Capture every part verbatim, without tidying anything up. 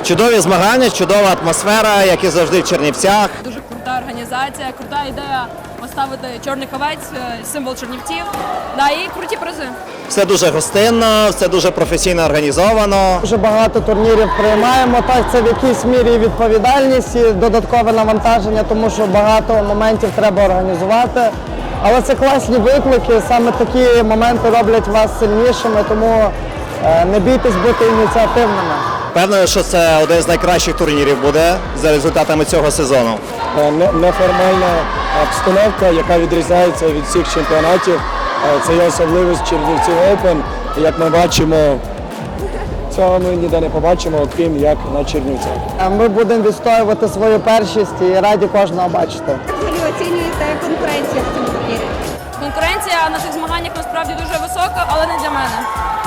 Чудові змагання, чудова атмосфера, як і завжди в Чернівцях. Дуже крута організація, крута ідея поставити чорний ховець, символ Чернівців. Да, і круті призи. Все дуже гостинно, все дуже професійно організовано. Дуже багато турнірів приймаємо. Так, це в якійсь мірі і відповідальність і додаткове навантаження, тому що багато моментів треба організувати. Але це класні виклики, саме такі моменти роблять вас сильнішими, тому е, не бійтесь бути ініціативними. Певно, що це один з найкращих турнірів буде за результатами цього сезону. Не- Неформальна обстановка, яка відрізняється від всіх чемпіонатів. Е, Це є особливість Чернівців Open. І як ми бачимо, цього ми ніде не побачимо, окрім як на Чернівцях. Е, Ми будемо відстоювати свою першість і раді кожного бачити. Як взагалі оцінюєте конкуренцію в цьому турнірі? Конкуренція на цих змаганнях насправді дуже висока, але не для мене.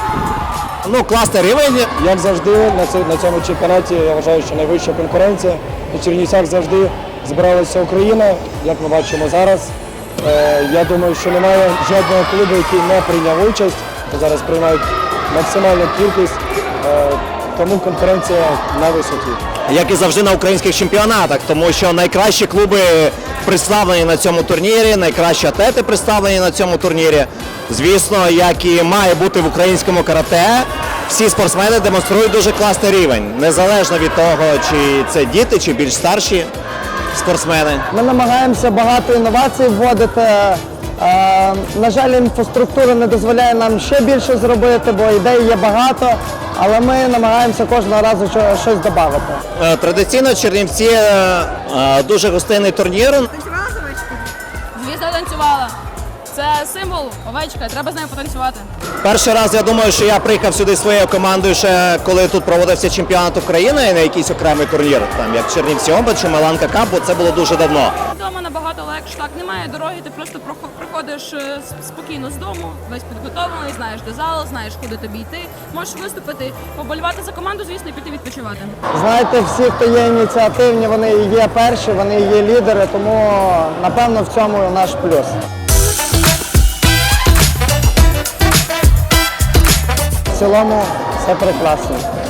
Ну, класний рівень. Як завжди, на ці- на цьому чемпіонаті я вважаю, що найвища конкуренція. У Чернівцях завжди збиралася Україна, як ми бачимо зараз. Е, Я думаю, що немає жодного клубу, який не прийняв участь. Зараз приймають максимальну кількість, е, тому конкуренція на висоті. Як і завжди на українських чемпіонатах, тому що найкращі клуби представлені на цьому турнірі, найкращі атлети представлені на цьому турнірі. Звісно, як і має бути в українському карате, всі спортсмени демонструють дуже класний рівень, незалежно від того, чи це діти, чи більш старші спортсмени. Ми намагаємося багато інновацій вводити. Е, На жаль, інфраструктура не дозволяє нам ще більше зробити, бо ідей є багато, але ми намагаємося кожного разу що- щось додати. Е, Традиційно Чернівці е, е, дуже гостинний турнір. Танцювала з овечкою? Звізда танцювала. Це символ, овечка, треба з нею потанцювати. Перший раз я думаю, що я приїхав сюди зі своєю командою ще коли тут проводився чемпіонат України на якийсь окремий турнір, там як Чернівці Оба чи Маланка Кап, бо це було дуже давно. Вдома набагато легше, так, немає дороги, ти просто прохо- приходиш е, с- спокійно з дому, весь підготовлений, знаєш де зал, знаєш куди тобі йти, можеш виступити, поболівати за команду, звісно, і піти відпочивати. Знаєте, всі, хто є ініціативні, вони і є перші, вони і є лідери, тому напевно в цьому наш плюс. В цілому все прекрасно.